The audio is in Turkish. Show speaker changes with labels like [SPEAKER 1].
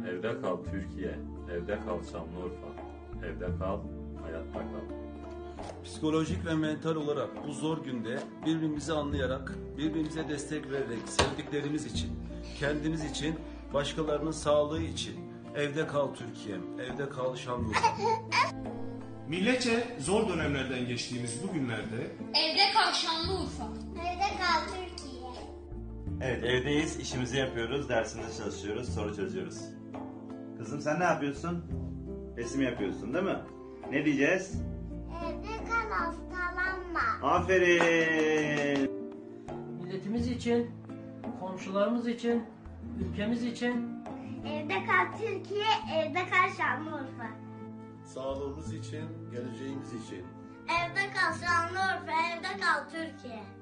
[SPEAKER 1] Evde kal Türkiye, evde kal Şanlıurfa, evde kal, hayatta kal.
[SPEAKER 2] Psikolojik ve mental olarak bu zor günde birbirimizi anlayarak, birbirimize destek vererek, sevdiklerimiz için, kendimiz için, başkalarının sağlığı için evde kal Türkiye'm, evde kal Şanlıurfa.
[SPEAKER 3] Milletçe zor dönemlerden geçtiğimiz bu günlerde
[SPEAKER 4] Evde kal Şanlıurfa.
[SPEAKER 5] Evde kal Türkiye.
[SPEAKER 6] Evet, evdeyiz, işimizi yapıyoruz, dersimizi çalışıyoruz, soru çözüyoruz. Kızım sen ne yapıyorsun? Resim yapıyorsun değil mi? Ne diyeceğiz?
[SPEAKER 5] Evde kal, hastalanma.
[SPEAKER 6] Aferin!
[SPEAKER 7] Milletimiz için, komşularımız için, ülkemiz için
[SPEAKER 5] Evde kal Türkiye, evde kal Şanlıurfa.
[SPEAKER 8] Sağlığımız için, geleceğimiz için.
[SPEAKER 5] Evde kal Şanlıurfa, evde kal Türkiye.